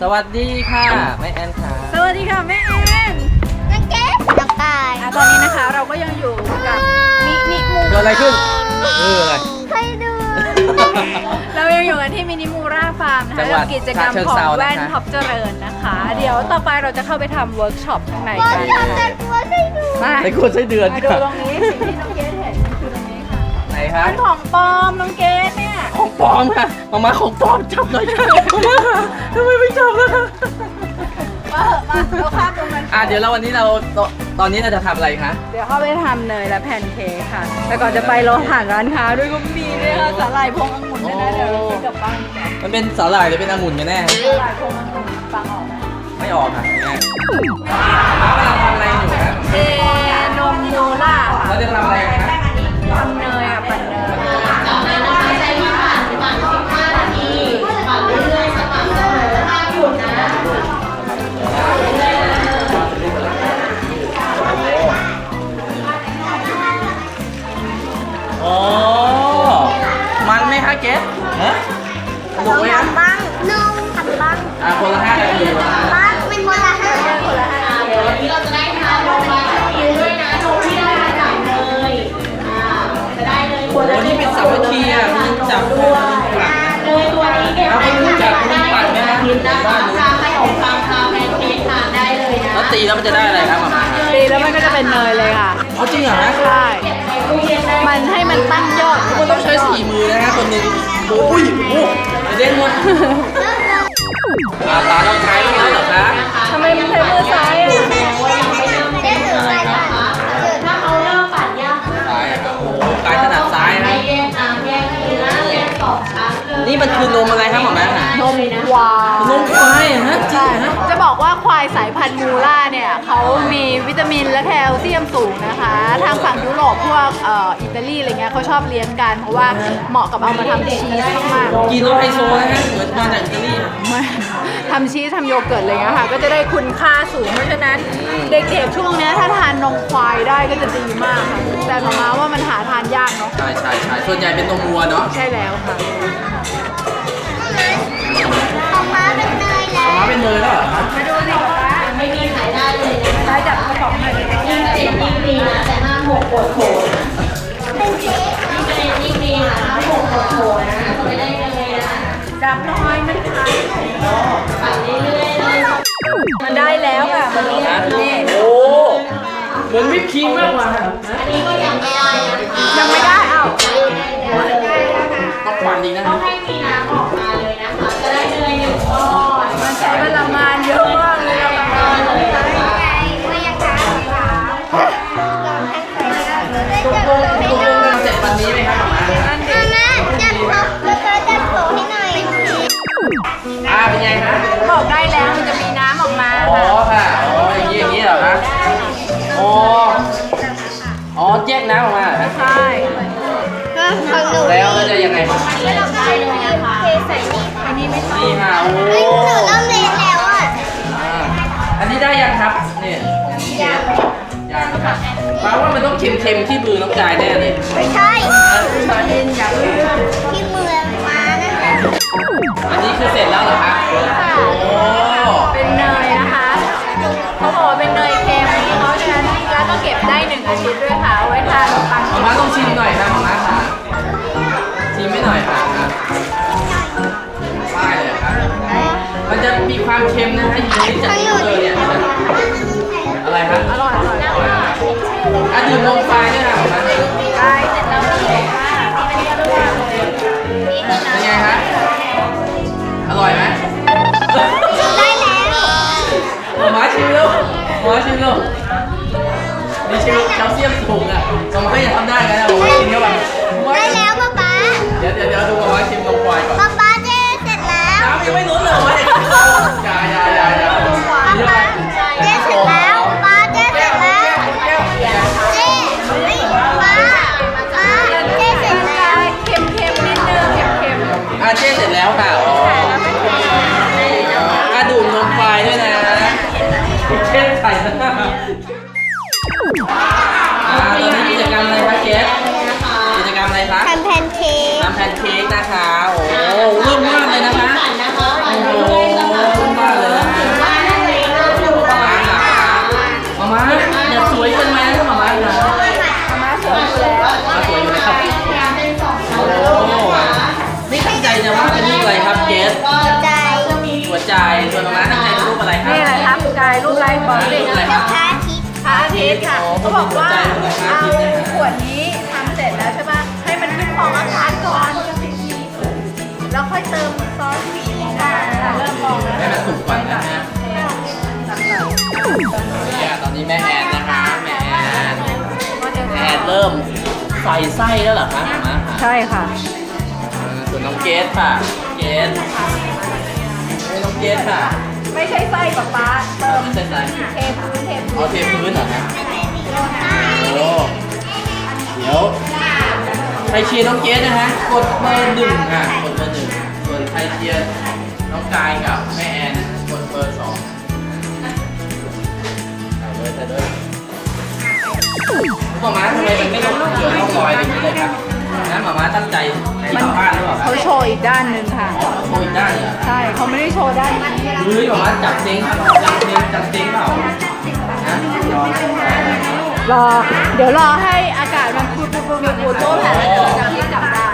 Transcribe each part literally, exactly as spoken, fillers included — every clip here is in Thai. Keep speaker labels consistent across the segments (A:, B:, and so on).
A: สวัสดีค่ะแม่แอนค่ะ
B: สวัสดีค่ะแม่แอนนักเก็ตนักกายตอนนี้นะคะเราก็ยังอยู่กับมินิมู
A: เกิดอะไรขึ้นเอออะไร
B: ใครดูเรายังอยู่กันที่มินิมูราฟาร์มนะคะกับกิจกรรมของแว่นท็อปเจริญนะคะเดี๋ยวต่อไปเราจะเข้าไปทำเวิร์กช็อปข้างในกันแต่กลัวใช่ดู
A: แต่กลัวใช่เดือน
B: มาดูตรงนี้สิ่งที่น้องเกดเห็นคือตรงนี้ค่ะ
A: ไหนคะ
B: เป็นของปลอมน้องเกดเนี่ย
A: ของปลอมค่ะมามาของปลอมจับหน่อยค่ะมามาค่ะทำไมไม่จับล่ะคะ
B: มามาเราข้ามตรงนั้น
A: อ่ะเดี๋ยวเราวันนี้เราตอนนี้เราจะทำอะไรคะ
B: เดี๋ยวเข้าไปทำเนยและแพนเค้กค่ะแต่ก่อนจะไปเราผ่านร้านค้าด้วยก็มีด้วยค่ะสาหร่ายพวงองุ่นด้วยนะเดี๋ยวเราซื้อกลับบ้าน
A: มันเป็นสาหร่ายหรือเป็นองุ่นกันแน่
B: สาหร่ายพวงองุ่นฟังออกไหม
A: ไม่ออกค่ะแม่เรากำลังทำอะไรอยู่ครับ
B: เทนมโมล่าค่ะ
A: เราจะทำอะไรคะ
B: ทำเนยอ่ะปั่นเนย
C: จากนั้นนะคะใช้เวลาประมาณสิบห้านาทีปั่นเรื่อยๆสม่ำเสมอห้ามหยุดนะ
A: โอ้มันไหมคะเกสฮะสนุกไหมครับ
B: บ้างนมทำบ้าง
A: อ่ะคนละห้านาที
B: บ้างเป็นคนละห้าคนละห้า
C: วันนี้เราจะได้ทานนมมากินด้วยนะนมที่ได้มาจากเนยจะได้เลย
A: โอ้นี่เป็นสามัคคีอ่ะมันจับด้วย
C: เนยตัวนี้เก็บไว้ทานได้กินนะคะทานขนมปังทานแพนเค้กทานได้เลยนะ
A: แล้วตีแล้วมันจะได้อะไรครับหม่า
B: ตีแล้วมันก็จะเป็นเนยเลยค่ะ
A: เอาจริงเหรอฮะ
B: ใช่มันให้มันตั้งยอด
A: มันต้องใช้สี่มือนะฮะคนหนึ่งโอ้ยโอ้เด้งหมดตาต้องใช้แล้วเหรอคะ
B: ทำไมมันใช้มือซ้ายอ่ะ
C: ถ้าเขาเริ่มปั่นยาก
A: ซ้ายครับโอ้กายถนัดซ้ายนะ
C: แยกน้ำแยกเนื้อแยกสองชั้นเลย
A: นี่มันคือนมอะไรครับหม่าแม่
B: นมควาย
A: นมควายฮะ
B: ใช่จะบอกว่าควายสายพันธุ์มูล่าเนี่ยเขามีวิตามินและแคลเซียมสูงนะคะทางฝั่งยุโรปพวกเอ่ออิตาลีอะไรเงี้ยเขาชอบเลี้ยงกันเพราะว่าเหมาะกับเอามาทำชีสมาก
A: ๆกินแล้วไฮโซนะฮะเหมือนมาจากอิตาลี
B: ทำชีสทำโยเกิร์ตอะไรเงี้ยค่ะก็จะได้คุณค่าสูงเพราะฉะนั้นเด็กๆช่วงนี้ถ้าทานนมควายได้ก็จะดีมากค่ะแต่มามาว่ามันหาทานยากเนาะ
A: ใช่ใช่ใช่ส่วนใหญ่เป็นนมวัวเนาะ
B: ใช่แล้วค่ะ
C: ของม้าเป็นเนยแล้ว
A: ม้าเป็นเนยแล้วเหรอครับ
B: มาดูสิคะ
C: ไม่มีขายได้เลยนะ
B: ได้จับกระป๋องหน่อย
C: ยิ่งเจ็บยิ่งดีนะแต่ห้ามหกปวดโผล่เป็นเจ๊ยิ่งเจ็บยิ่งดีนะห้ามหกปวดโผล่นะไม่ได้เลยนะ
B: จับน้อยมันขาย
C: ปั่นเรื่อยๆเลย
B: มันได้แล้วค่ะมันนี่
A: โอ้เหมือนวิปครีมมากกว่า
C: อันนี้ก็ยังไม่ได้นะคะ
B: ยังไม่ได้เอ้า
A: ต้องปั่นอีกนะ
C: ต้องให้มีน้ำออกมาเลยนะคะจะได้เนยหนึ่งก้อน
B: มันใช้พลังงานเยอะมากเลยพลังงานเลยไม่ยังค้างค่ะ
A: ตกลงตกลงกันเสร็จวันนี้ไหมครับหม่า
B: นั่นดิ
C: มาจับเขาแล้วก็จับโผล่ให้หน่อย
A: อ่าเป็นไงฮะ
B: บอกได้แล้วมันจะมีน้ำออกมา
A: อ๋อค่ะอ๋ออย่างนี้อย่างนี้เหรอคะอ๋ออ๋อแยกน้ำออกมา
B: ใช่
A: แล้วแล้วจะยังไง
C: ไม่ต้องได้เลยนะคะเทใส่นี่
B: อันนี้ไม่ต้อง
A: นี่ค่ะโอ้
C: หนูเริ่มเรียนแล้วอ่ะ
A: อันนี้ได้ยังครับเนี่ยยังยังครับแปลว่ามันต้องเค็มๆที่มือน้องกายแน่เลย
C: ไม่ใช่
A: ไม่ใช่
C: ที่มือมานั่นแหละ
A: อันนี้คือเสร็จแล้วเหรอคะโอ้
B: เป็นเนยนะคะเขาบอกว่าเป็นเนยเค็มเพราะฉะนั้นแล้วก็เก็บได้หนึ่งอาทิตย์ด้วยค่ะไว้ทานขนมปัง
A: หม่าต้องชิมหน่อยนะหม่าค่ะชิมไม่หน่อยค่ะได้เลยครับมันจะมีความเค็มนะฮะอยู่ในจากที่เลยเนี่ยอะไรครับ
B: อร่อยอร่อยอร่อย
A: อ่ะดื่มนมควายด้วยนะหม่า
B: ได้เสร็จแล้วก็เสร็จค่ะที่เป็นเรื่อง
A: เป็นไงฮะอร่อยไหม
C: ได้แล้ว
A: หม่าชิมลูกหม่าชิมลูกนี่ชิมแคลเซียมสูงอ่ะหม่าอย่าทำได้นะหม่ากินเข้าไป
C: ได้แล้วป๊าป๊า
A: เดี๋ยวเดี๋ยวเดี๋ยวดูหม่าชิมนมควายก่อน
C: ป๊าป๊าเจ๊เสร็จแล้ว
A: น้ำยังไม่ล้นเลยหม่าอย่าอย่าอย่าอย่า
C: ป๊าเจ๊เสร็จแล้วป๊าเจ๊เสร็จแล้วเจ๊ป๊าป๊าเจ๊เสร็จ
B: บอกเลย
A: อะไร
B: นะ
A: คะ
B: พระอาทิตย์ค่ะ
A: อ๋อ
B: เขาบอกว่า
A: พระอาทิ
B: เอา
A: ตย์เนี่ย
B: ขวดนี้ทำเสร็จแล้วใช่ป่ะให้มันขึ้นฟองอากาศก่อนแล้วค่อยเติมซอสค่ะเริ่มฟองแล้ว
A: ให้มันสุกก่อนนะฮะเนี่ยตอนนี้แม่แอนนะคะแม่แอนแม่แอนเริ่มใส่ไส้แล้วเหรอคะมาค่ะ
B: ใช่ค่ะ
A: อ่าส่วนน้องเกสค่ะเกสนี่น้องเกสค่ะ
B: ไม่ใช่ไส้กับปลาเติม
A: ไม่ใช่ไส้
B: เทพื้นเทพื้น
A: เอาเทพื้นเหรอฮะโอ้เดี๋ยวใครเชียร์น้องเกสนะฮะกดเบอร์หนึ่งค่ะกดเบอร์หนึ่งส่วนใครเชียร์น้องกายกับแม่แอนนะกดเบอร์สองใส่เลยใส่เลยหมาม้าทำไมมันไม่ลงเหลือร่องรอยอะไรอย่างนี้เลยครับนะหมาม้าตั้งใจที่ต่อบ้านหรือเปล่าครับ
B: เขาโชว์อีกด้านหนึ่งค่ะ
A: อ๋อโชว์อีกด้านเนี่ย
B: ใช่เขาไม่ได้โชว์ด้านนี้
A: เฮ้ยหมาม้าจับเซ็งจับเซ็งจับเซ็งเปล่านะยอม
B: รอ เดี๋ยวรอให้อากาศมันพูดพูดพูดพูดโต้แผ่นจะที่จับได้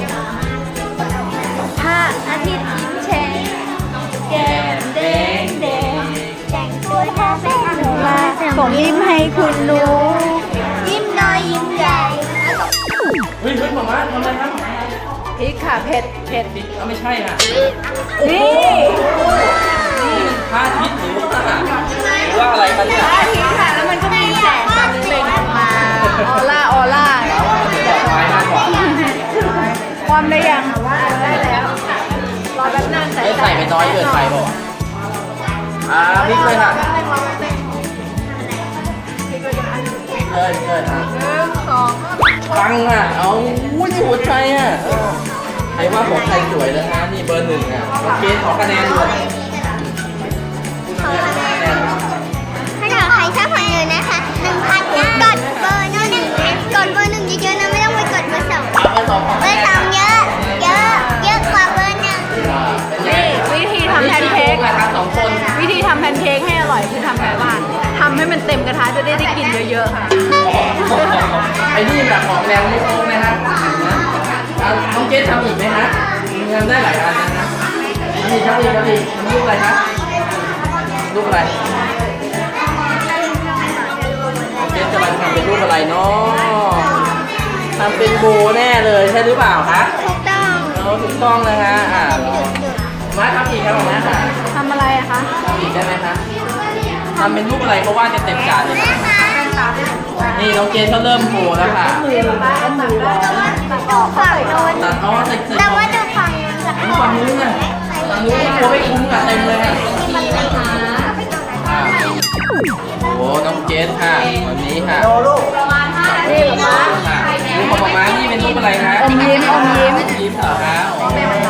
B: ถ้าอาทิตย์ยิ้มแฉ่งแก้มแดงแดงแต่งตัวท่าเป็นหนูมาส่งยิ้มให้คุณรู้ยิ้มน้อยยิ้มใหญ่
A: เฮ้ยเฮ้ยหมาม้าทำอะไรครับ
B: พริกค่ะเผ็ดเผ็ด
A: เอาไม่ใช่ค่ะ
B: นี่
A: นี่มันพระอาทิตย์หรือว่าหรือว่าอะไรกันเนี่ย
B: พระอาทิตย์ค่ะแล้วมันก็มีแสงแบบเปล่งออกมาออร่าออร่า
A: ถามว่ามันเหมือนดอกไม้มากกว่า
B: ความได้ยังว่าได้แล้วรอแป๊บนึง
A: เอ๊ะใส่ไปน้อยเกินไปเปล่าวะอ่าพริกเลยค่ะพริกเลยพริกเลยอ่ะ
B: หนึ่งสอง
A: ปังอ่ะ เอาอุ้ยนี่หัวใจอ่ะเออใครว่าของใครสวยนะฮะนี่เบอร์หนึ่งอ่ะโอเคขอคะแนนด้วยคะแนน
D: ถ้าเกิดใครชอบผลเงินนะคะหนึ่งพันกดเบอร์หนึ่งกดเบอร์หนึ่งเยอะๆนะไม่ต้องไปกดเบอร์สอง
A: เอาเบอร์สองของ
D: เบอ
A: แม่
D: ร์สองเยอะเยอะเยอะกว่าเบอร์หนึ่ง
A: อ่าเป็นไง
B: นี่วิธีทำแพนเค้ก
A: นะครับสองคน
B: วิธีทำแพนเค้กให้อร่อยคือทำไงบ้างทำให้มันเต็มกระทะจะได้ได้กินเยอะๆค่ะ
A: ไอ้นี่แบบของแรงไม่โค้งนะฮะนะเอาน้องเกสทำอีกไหมฮะทำได้หลายอันนะฮะนี่ครับนี่ครับนี่ทำรูปอะไรครับรูปอะไรน้องเกสกำลังทำเป็นรูปอะไรเนาะทำเป็นโบแน่เลยใช่หรือเปล่าคะ
D: ถูกต้อง
A: เราถูกต้องนะฮะอ่ามาทำอีกครับมาค่ะ
B: ทำอะไรอะคะ
A: ทำอีกได้ไหมคะทำเป็นรูปอะไรเพราะว่าจะเต็มจานเลยนะนี่น้องเกสเขาเริ่มโบแล้วค่ะ
B: มือป้าก็มือร้อน
D: ดูฝั่งโน้น
A: ตัดอ๋อใส่ใส่
D: แต่ว่าดูฝั่งนู้นสัก
A: ดู
D: ค
A: ฝั่ง
D: น
A: นู้นน่ะฝั่งนู้นกลัวไม่คุ้มอ่ะเต็มเลยอ่ะอ่าโอ้น้องเกสค่ะวันนี้ค่ะ
B: ประมาณห้านาทีมา
A: ค่ะรูปของมาม่านี่เป็นรูปอะไรคะ
B: อมยิ้มอมยิ้ม
A: ยิ้มเหรอคะอ๋อ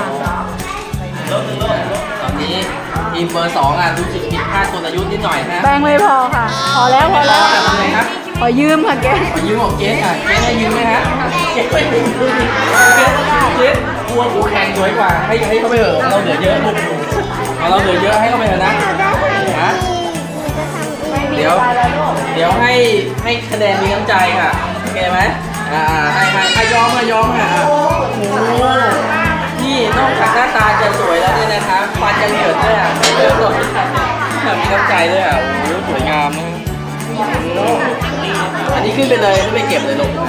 A: ตอนนี้ทีมเบอร์สองอ่ะรู้สึกผิดพลาดกลยุทธ์นิดหน่อยนะ
B: แป้งไม่พอค่ะ พอแล้วพอแล้ว
A: ทำไงครับ
B: ขอยืมค่ะแก
A: ขอยืมของเกสค่ะเกสให้ยืมไหมฮะเกสไม่ยืมเกสเกสกลัวคู่แข่งสวยกว่าให้ให้เขาไปเถอะเราเหลือเยอะลูกเอาเราเหลือเยอะให้เขาไปเถอะนะฮะเดี๋ยวเดี๋ยวให้ให้คะแนนมีน้ำใจค่ะโอเคไหมอ่าให้ให้ให้ยอมค่ะยอมค่ะโอ้โหนี่นอกจากหน้าตาจะสวยแล้วเนี่ยนะคะฟันยังเหยินด้วยอ่ะเออมีน้ำใจด้วยอ่ะโอ้โหสวยงามนะ อันนี้ขึ้นไปเลยไม่ไปเก็บเลยลง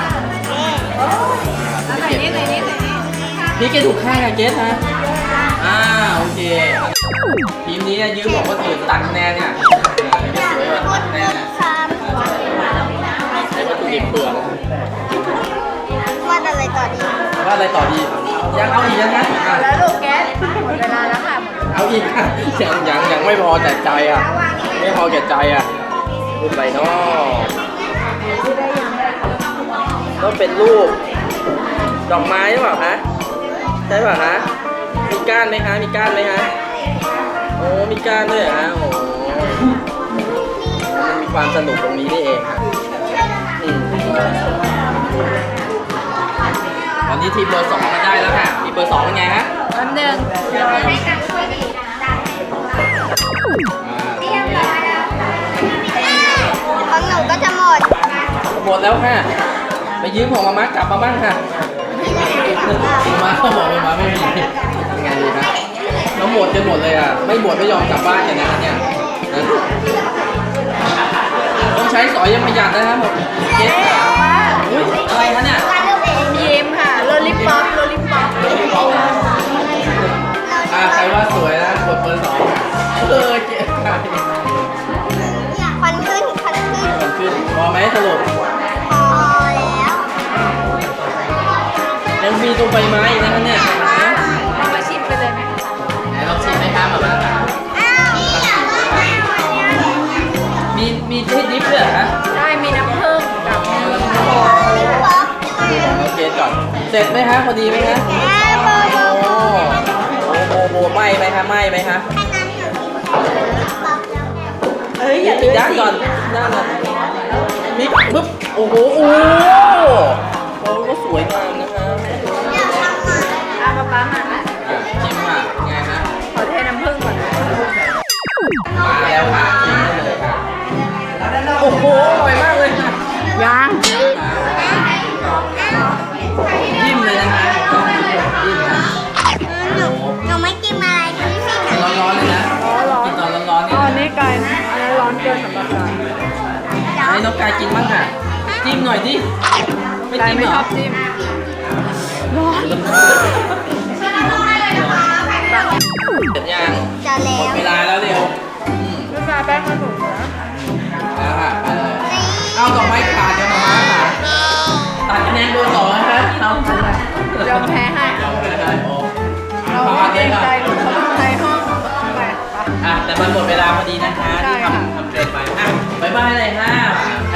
B: ใส่นี่ใส่นี่ใส่นี่
A: นี่เกถูกค่ายอะเกสฮะอ่าโอเคทีมนี้ยืมบอกว่าตื่นตัดคะแนนเนี่ยสวยว่าตัดคะแนนเนี่ยใช้วัตถุดิบเปลือก
D: ว่าอะไรต่อดี
A: ว่าอะไรต่อดียังเอาอีกนะฮะอ่ะ
B: แล้วลูกแก๊สหมดเวลาแล้วค่ะหมด
A: เอาอีกอ่ะยังยังยังไม่พอแต่ใจอ่ะไม่พอแก่ใจอ่ะรูปอะไรเนาะต้องเป็นรูปดอกไม้หรือเปล่าคะใช่เปล่าคะมีก้านไหมคะมีก้านไหมคะโอ้มีก้านด้วยเหรอฮะโอ้มันมีความสนุกตรงนี้นี่เองค่ะอืมตอนนี้ทีมเบอร์สองมาได้แล้วค่ะทีมเบอร์สองเป็นไงฮะ
B: แป๊บนึง
D: ของหนูก็จะหมด
A: หมดแล้วค่ะ ไปยืมของมาม่ากลับมาบ้างค่ะมาม่าเขาบอกมาม่าไม่มียังไงดีนะแล้วหมดจนหมดเลยอ่ะ ไม่หมดไม่ยอมกลับบ้านกันนะเนี่ยนะช้สอยยังประหยัดนะครับผมเจ๊อุ๊ยอะไรคะเนี่ย
B: ยิ้มค่ะโลลิปอปโลลิปอป
A: อ่าใครว่าสวยนะกดเบอร์สองเออเจ๊ใคร
D: ควันขึ้นควันขึ้น
A: มันขึ้นพอไหมสรุป
D: พอแล้ว
A: ยังมีตัวใบไม้อีกนะคะเนี่ย
B: เรามาชิมกันเลยไหมคะ
A: ไหนลองชิมไหมครับแบบว่า
D: อ้าวนี่อยากว่าไง
A: มีมีที่ดิฟด้วยเหรอฮะ
B: ใช่มีน้ำผึ้งกับมีโค
D: ลิปป๊อป
A: โอเคก่อนเสร็จไหมฮะพอดีไหมฮะ
D: แอปเปิล
A: โอ้โหโอ้โหไหม้ไหมคะไหม้ไหมคะ
D: แค่นั้นเถอะลิปป๊อปแล้ว
B: เอ้ยอย่า
A: อี
B: ลื
A: ก
B: ม
A: ด้านก่อนด้านก่อนมีปึ๊บโอ้โหโอ้โหก็สวยงามนะคะ
D: อยากทำอ่ะ
B: อามาป้ามา
A: อ่ะชิมอ่ะไงฮะ
B: ขอเทน้ำผึ้งก่อนนะ
A: มาแล้วค่ะชิมได้เลยค่ะโอ้โหอร่อยมากเลยค่ะ
B: ยัง
A: จิ้มเลยนะคะจิ้มนะ
D: หนูหนูไม่กินอะไรทั้งสิ้น
A: กิน
D: อ่ะ
A: ร้อนๆเลยนะ
B: อ๋อเหรอ
A: กินตอนร้อนๆ
B: อ๋
A: นี่
B: อนี่ไก่นะอันนั้นร้อนเกินสำหรับไก่
A: ให้น้องกายกินบ้างค่ะจิ้มหน่อยดิไม่
B: ไก่
A: จิ้ม
B: ไม่
A: เหร
B: ช
A: อ
B: อบจิ้มร้อน
A: เสร็จยัง
D: จะแล้
A: หมด
D: ว
A: เวลาแล้วเร็วอืม
B: ลูกค้าแป้งมาถูกนะ
A: แล้วค่ะไปเลยเอาดอกไม้ขาดเดี๋ยวมาม่าค่ะตัดคะแนนเบอร์สองนะคะเอาไปเลย
B: ยอมแพ้ให้
A: เอาไปเลยโอ้
B: เรา
A: ประ
B: ไม่
A: มาณ
B: เกร
A: นี้
B: ง
A: ค่ะ
B: ใจหรือเขาต้องใช้ห้องไปไป
A: อ่ะแต่มันหมดเวลาพอดีนะคะ
B: ใช่
A: ที่
B: ค่ะ
A: ทำทำเกรดไปอ่ะบ๊ายบายเลยค่ะใคร